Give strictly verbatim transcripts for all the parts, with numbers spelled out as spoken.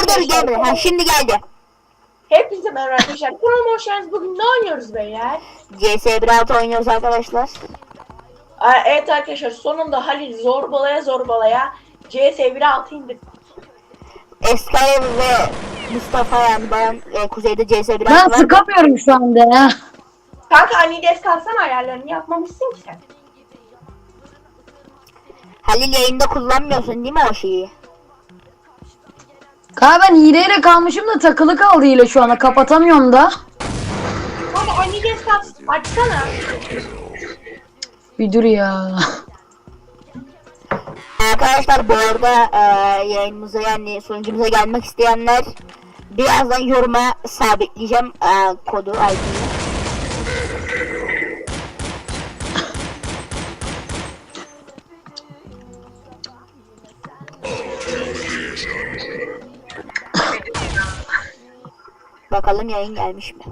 dur gelmedi. Ha şimdi geldi. Hepinize merhaba arkadaşlar. Kanalıma hoş geldiniz. Bugün ne oynuyoruz beyler? C S bir altı oynuyoruz arkadaşlar. Aa, evet arkadaşlar, sonunda Halil zorbalaya zorbalaya C S bir altı indirdik. Eskay ve Mustafa yani ben e, kuzeyde C S bir Ben altı var. sıkamıyorum şu anda ya. Kanka Anides kalsana, ayarlarını yapmamışsın ki sen. Halil yayında kullanmıyorsun değil mi o şeyi? Kanka ben hileyle kalmışım da takılı kaldı hile şu anda. Kapatamıyorum da. Kanka Anides kalsın. Açsana. Bir dur ya. Arkadaşlar bu arada e, yayınımıza yani sunucumuza gelmek isteyenler birazdan yoruma sabitleyeceğim e, kodu I D'yi. Bakalım yayın gelmiş mi?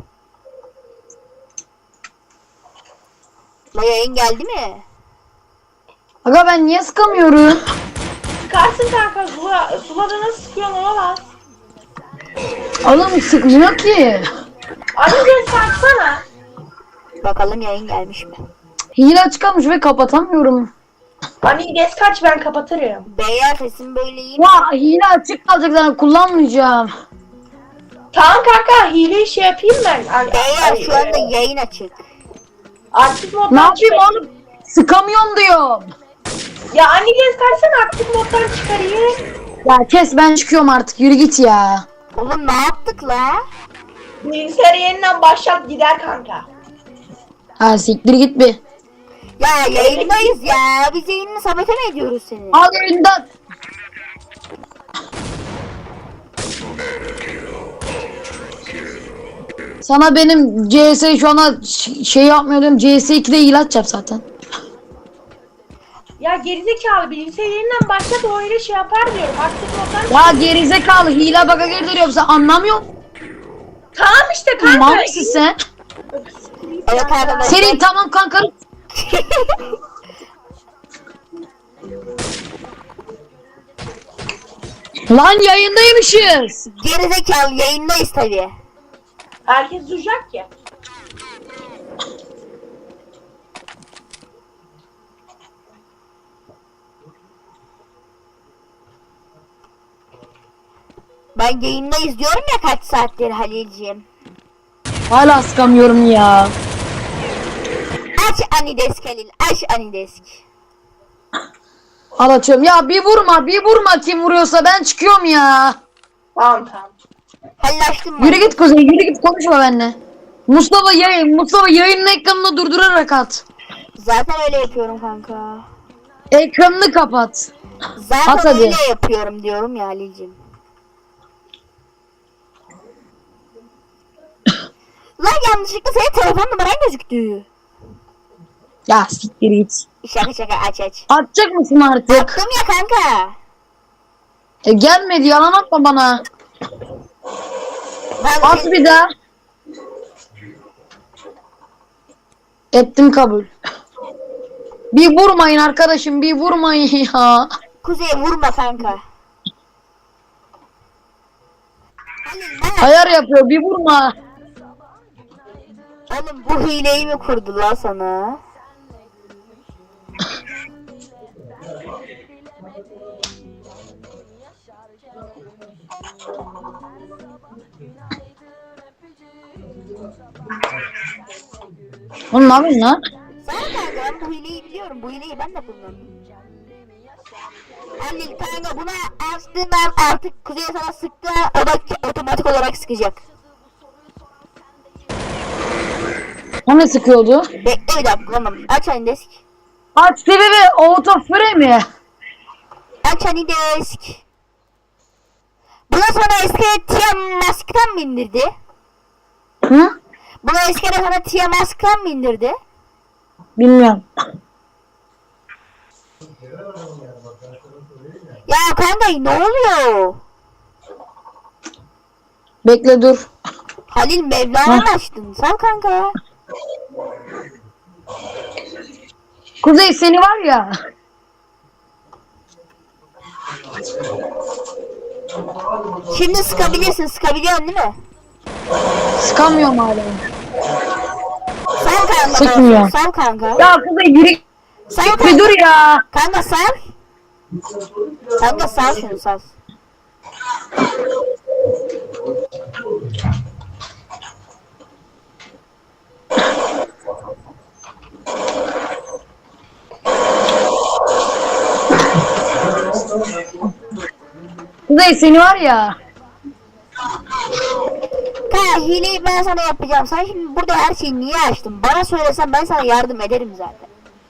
La yayın geldi mi? Aga ben niye sıkamıyorum? Sıkarsın kanka. Sula, sulada nasıl sıkıyorsun ona bak. Oğlum sıkmıyor ki. Anides kalsana. Bakalım yayın gelmiş mi? Hile açık kalmış ve kapatamıyorum. Anides kaç, ben kapatırım. Beyler sesim böyle iyi mi? Ya hile açık kalacak zaten kullanmayacağım. Tamam kanka, hileyi şey yapayım ben. Ay, Beyler ay, şu anda ay. yayın açık. Aktif moddan Ne yapayım çıkarayım. oğlum? Sıkamıyorum diyorum. Ya Anides kalsana, aktif moddan çıkarayım. Ya kes ben çıkıyorum artık yürü git ya. Oğlum ne yaptık la? Bilgisayarı yeniden başlat, gider kanka. Ha siktir git bir. Ya yayındayız ya. Biz yayını sabote mi ediyoruz seni? Al elinden. Sana benim C S şu ana ş- şey yapmıyordum. C S ikide hile atacağım zaten. Ya gerizekalı, bilgisayarı yeniden başlat, o öyle şey yapar diyorum. Aktif moddan. Ya gerizekalı hile baka girdiriyorum sen anlamıyor musun? Tamam işte kanka. Mal mısın sen? Evet arkadaşlar. Senin tamam kanka. Lan yayındaymışız. Gerizekalı yayındayız tabi. Herkes duyacak ya. Ben yayındayız diyorum ya kaç saattir Halilciğim. Hala sıkamıyorum ya. Aç Anidesk Halil. Aç Anidesk. Al açıyorum. Ya bir vurma bir vurma kim vuruyorsa ben çıkıyorum ya. Tamam tamam. Halil açtın mı? Yürü git Kuzey yürü git konuşma benimle. Mustafa yayın Mustafa yayının ekranını durdurarak at. Zaten öyle yapıyorum kanka. Ekranını kapat. Zaten At hadi. öyle yapıyorum diyorum ya Halilciğim. Lan yanlışlıkla senin telefon numaran gözüktü. Ya siktir git. Şaka şaka aç aç. Atacak mısın artık? Attım ya kanka. E, gelmedi yalan atma bana. Ben At bir daha. Ettim kabul. Bir vurmayın arkadaşım bir vurmayın ya. Kuzey'e vurma kanka. Halil ben... Ayar yapıyor bir vurma. Oğlum bu hileyi mi kurdu lan sana? Oğlum ne yapıyorsun lan? Sana kanka ben bu hileyi biliyorum. Bu hileyi ben de kullandım. Halil kanka buna açtığından artık Kuzey sana sıktı. O da otomatik olarak sıkacak. O ne sıkıyordu? Bekle bir dakika oğlum. Aç Anidesk. Aç sebebi auto frame. Aç Anidesk. Buna sonra eski Tia Mask'tan mı indirdi? Hı? Buna eskiden sana Tia Mask'tan mı indirdi? Bilmiyorum. Ya kanka ne oluyor? Bekle dur. Halil Mevla'yı açtın. Sal kanka. Kuzey seni var ya. Şimdi sıkabilirsin. Sıkabiliyorsun değil mi? Sıkamıyorum hala. Sal kanka. Sıkmıyor. Sal kanka. Ya Kuzey yürü. Sal Bir kanka. dur ya. Kanka sal. Kanka sal şunu sal. Kuzey seni var ya. Kanka hileyi ben sana yapacağım. Sen şimdi burada her şeyi niye açtın? Bana söylesen ben sana yardım ederim zaten.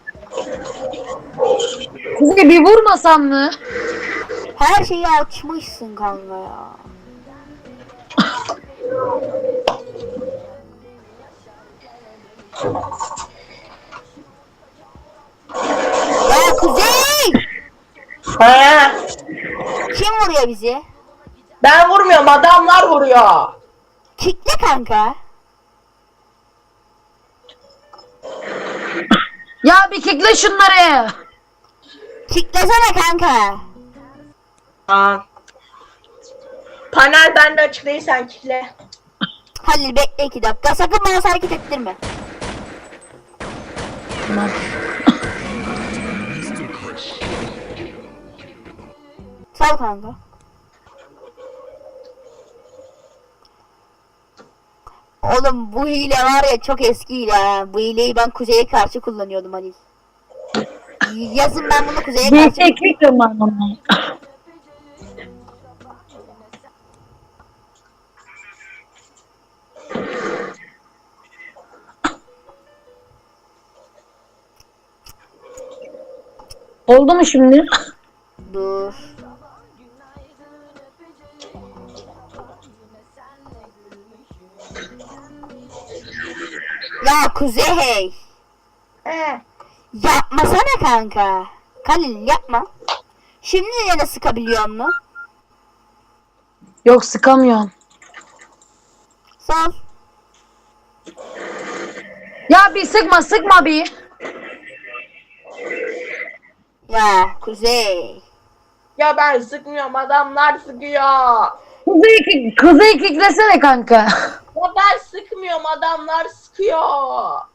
Kuzey bir vurmasam mı? Her şeyi açmışsın kanka ya. Ya Kuzey! He. Kim vuruyor bizi? Ben vurmuyorum, adamlar vuruyor. Kickle kanka. Ya bir kickle şunları. Kicklesene kanka. Aa. Panel bende açık değil, sen kitle. Halil bekle iki dakika. Sakın bana hareket ettirme. Tamam. Sal kanka. Oğlum bu hile var ya çok eski hile ha. Bu hileyi ben Kuzey'e karşı kullanıyordum Halil. Yazın ben bunu Kuzey'e Bir karşı... tek kickle bana. Oldu mu şimdi? Dur. Ya Kuzey. He. Yapmasana kanka. Halil yapma. Şimdi yine sıkabiliyor mu? Yok sıkamıyorum. Sal. Ya bir sıkma sıkma bir. Ya Kuzey. Ya ben sıkmıyorum, adamlar sıkıyor. Kuzey, kick, kuzey kicklesene kanka. Ya ben sıkmıyorum, adamlar sıkıyor.